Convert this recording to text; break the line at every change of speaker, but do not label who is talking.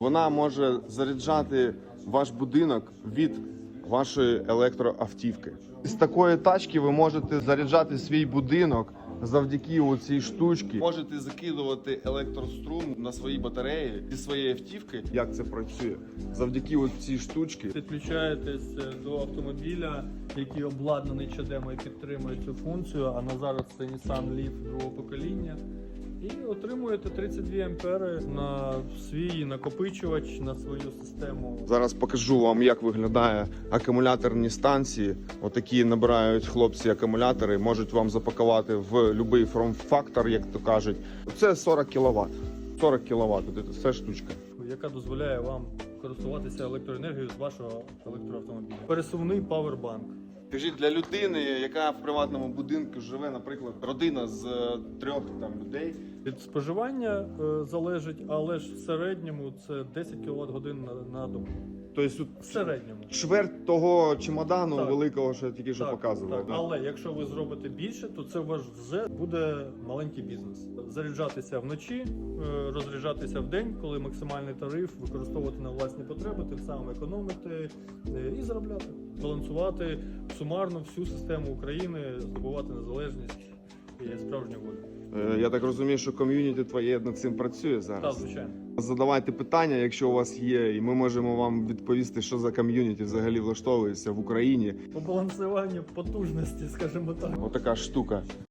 Вона може заряджати ваш будинок від вашої електроавтівки. З такої тачки ви можете заряджати свій будинок завдяки цій штучці. Можете закидувати електрострум на свої батареї зі своєї автівки. Як це працює? Завдяки цій штучці.
Підключаєтесь до автомобіля, який обладнаний чадемо і підтримує цю функцію, а на зараз це Nissan Leaf другого покоління. І отримуєте 32 ампери на свій накопичувач, на свою систему.
Зараз покажу вам, як виглядає акумуляторні станції. Отакі набирають хлопці акумулятори, можуть вам запакувати в будь-який форм-фактор, як то кажуть. Це 40 кВт. 40 кВт, це штучка.
Яка дозволяє вам користуватися електроенергією з вашого електроавтомобіля. Пересувний павербанк.
Скажіть, для людини, яка в приватному будинку живе, наприклад, родина з 3 людей.
Від споживання залежить, але ж в середньому це 10 кВт годин на добу.
Тобто
В середньому.
чверть того чемодану
Так.
великого, що я тільки що
Так,
показував.
так.
Да?
Але якщо ви зробите більше, то це у вас вже буде маленький бізнес. Заряджатися вночі, розряджатися вдень, коли максимальний тариф, використовувати на власні потреби, тим самим економити і заробляти. Балансувати сумарно всю систему України, здобувати незалежність і справжню волю.
Я так розумію, що ком'юніті твоє над цим працює
Так,
зараз.
звичайно.
Задавайте питання, якщо у вас є, і ми можемо вам відповісти, що за ком'юніті взагалі влаштовується в Україні.
По балансуванню потужності, скажімо так.
Отака штука.